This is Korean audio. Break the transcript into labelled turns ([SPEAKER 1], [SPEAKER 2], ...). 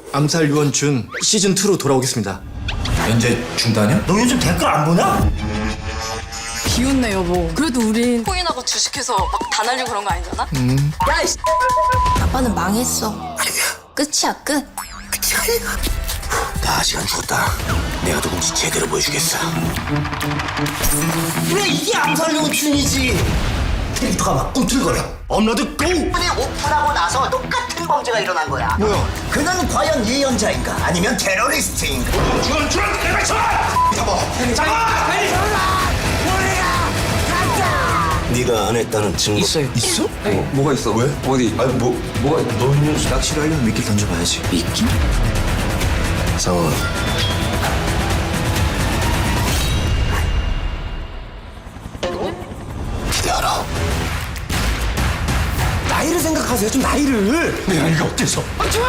[SPEAKER 1] 암살 유언준 시즌 2로 돌아오겠습니다.
[SPEAKER 2] 연재 중단이야?
[SPEAKER 3] 너 요즘 댓글 안 보냐?
[SPEAKER 4] 비웃네 여보. 그래도 우린 코인하고 주식해서 막 다 날리고 그런 거 아니잖아?
[SPEAKER 5] 야, 이씨. 아빠는 망했어. 끝이야, 끝.
[SPEAKER 3] 나 시간 줬다. 내가 누군지 제대로 보여주겠어. 그래, 이게 암살용 춘이지. 캐릭터가 막 꿈틀거려. 업로드 고!
[SPEAKER 6] 오픈이 오픈하고 나서 똑같은 범죄가 일어난 거야.
[SPEAKER 3] 뭐야? 그는 과연 예언자인가? 아니면 테러리스트인가? 네가 안 했다는 증거
[SPEAKER 2] 있어요.
[SPEAKER 3] 있어?
[SPEAKER 2] 뭐가 있어? 왜? 어디?
[SPEAKER 3] 아니 뭐가 너는 낚시를 하려면 미끼를 던져봐야지.
[SPEAKER 2] 미끼?
[SPEAKER 3] 상원. 기대하라. 나이를 생각하세요. 좀 나이를. 내 나이가 어때서?
[SPEAKER 4] 좋아